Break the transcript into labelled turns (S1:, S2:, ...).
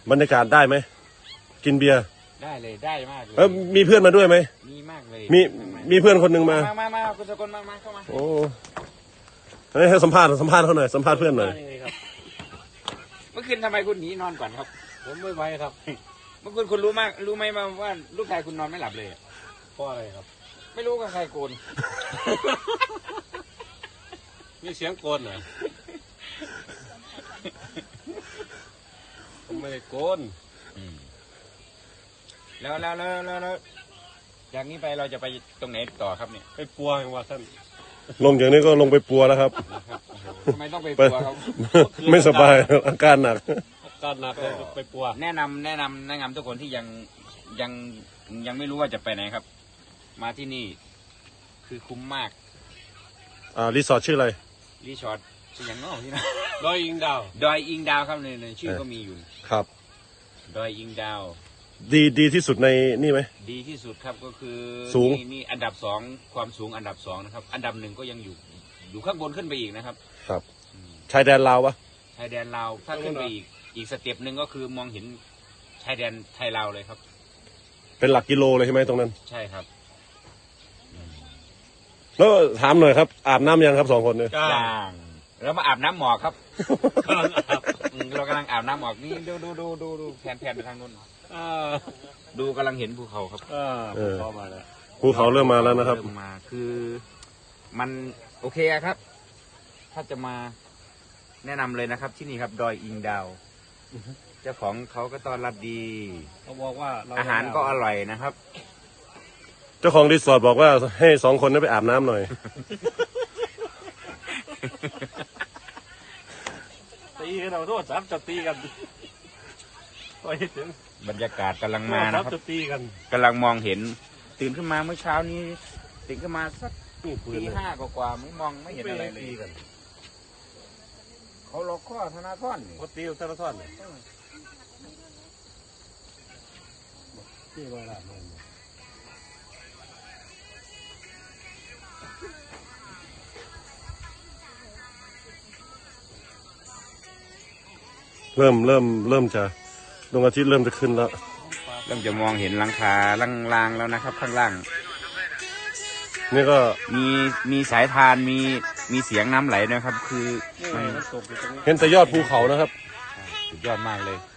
S1: บรรยากาศได้ไหมกินเบียร์
S2: ได้เลยได้มากเลย
S1: มีเพื่อนมาด้วยไหม
S2: มีมากเลย
S1: มีเพื่อนคนหนึ่งมา
S2: คุณสกลมาเข้ามา
S1: โอ้ให้สัมภาษณ์เขาหน่อยสัมภาษณ์เพื่อนหน่อย
S2: เมื่อคืนทำไมคุณหนีนอนก่อนครับ
S3: ผมไม่ไหวครับ
S2: เมื่อคืนคุณรู้ไหมว่าลูกชายคุณนอนไม่หลับเลย
S3: เพราะอะไรครับ
S2: ไม่รู้กับใครโกน
S3: มีเสียงโกนเหรอผมไม่ได้โกน
S2: แล้วจากนี้ไปเราจะไปตรงไหนต่อครับเนี่ย
S3: ไปปัวอย่างว่าท่าน
S1: ลงอย่างนี้ก็ลงไปปัวแล้วครับ
S2: ทำไมต้องไปปัวครับ
S1: ไม่สบายอาการหนัก
S3: เลยไปปัว
S2: แนะนำทุกคนที่ยังไม่รู้ว่าจะไปไหนครับมาที่นี่คือคุ้มมาก
S1: รีสอร์ทชื่ออะไร
S2: รีสอร์ทชื่ออย่างน้อยที่นะ
S3: ดอยอิงด
S2: าวครับในชื่อก็มีอยู่
S1: ครับ
S2: ดอยอิงดาว
S1: ดีที่สุดในนี่ไหม
S2: ดีที่สุดครับก็คือ
S1: สูง
S2: นี่อันดับ2ความสูงอันดับ2นะครับอันดับ1ก็ยังอยู่ข้างบนขึ้นไปอีกนะครับ
S1: ครับชายแดนลาวปะ
S2: ชายแดนลาวถ้าขึ้นไปอีกสเต็ปหนึ่งก็คือมองเห็นชายแดนไทยลาวเลยครับ
S1: เป็นหลักกิโลเลยใช่ไหมตรงนั้น
S2: ใช่ครับ
S1: แล้วถามหน่อยครับอาบน้ำยังครับ2 คนเนี่ย
S2: ยังแล้วมาอาบน้ำหมอกครับเรากำลังอาบน้ำหมอกนี่ดูแผนไปทางนู้นดูกำลังเห็นภูเขาครับ
S1: ภูเขาเริ่มมาแล้วนะครับ
S2: มาคือมันโอเคครับถ้าจะมาแนะนำเลยนะครับที่นี่ครับดอยอิงดาวเจ้าของเขาก็ต้อนรับดี
S3: เขาบอกว่า
S2: อาหารก็อร่อยนะครับ
S1: เจ้าของรีสอร์ทบอกว่าให้2 คนนั้นไปอาบน้ำหน่อย
S3: ตีกันเราโทษจับจะตีกันไปถึง
S2: บรรยากาศกำลังมานะครับ
S3: จะตีกัน
S2: กำลังมองเห็นตื่นขึ้นมาเมื่อเช้านี้ตื่นขึ้นมาสักตี 5กว่าไม่มองไม่เห็นอะไรเลยเขาล็อกข้อธนาธร
S3: เขาตีธนาธรที่ว่าละ
S1: เริ่มจะดวงอาทิตย์เริ่มจะขึ้นแล้ว
S2: เริ่มจะมองเห็นหลังคาลางๆแล้วนะครับข้างล่าง
S1: นี่ก็
S2: มีสายทานมีเสียงน้ำไหลนะครับคือ
S1: เห็นแต่ยอดภูเขานะครับ
S2: สุดยอดมากเลย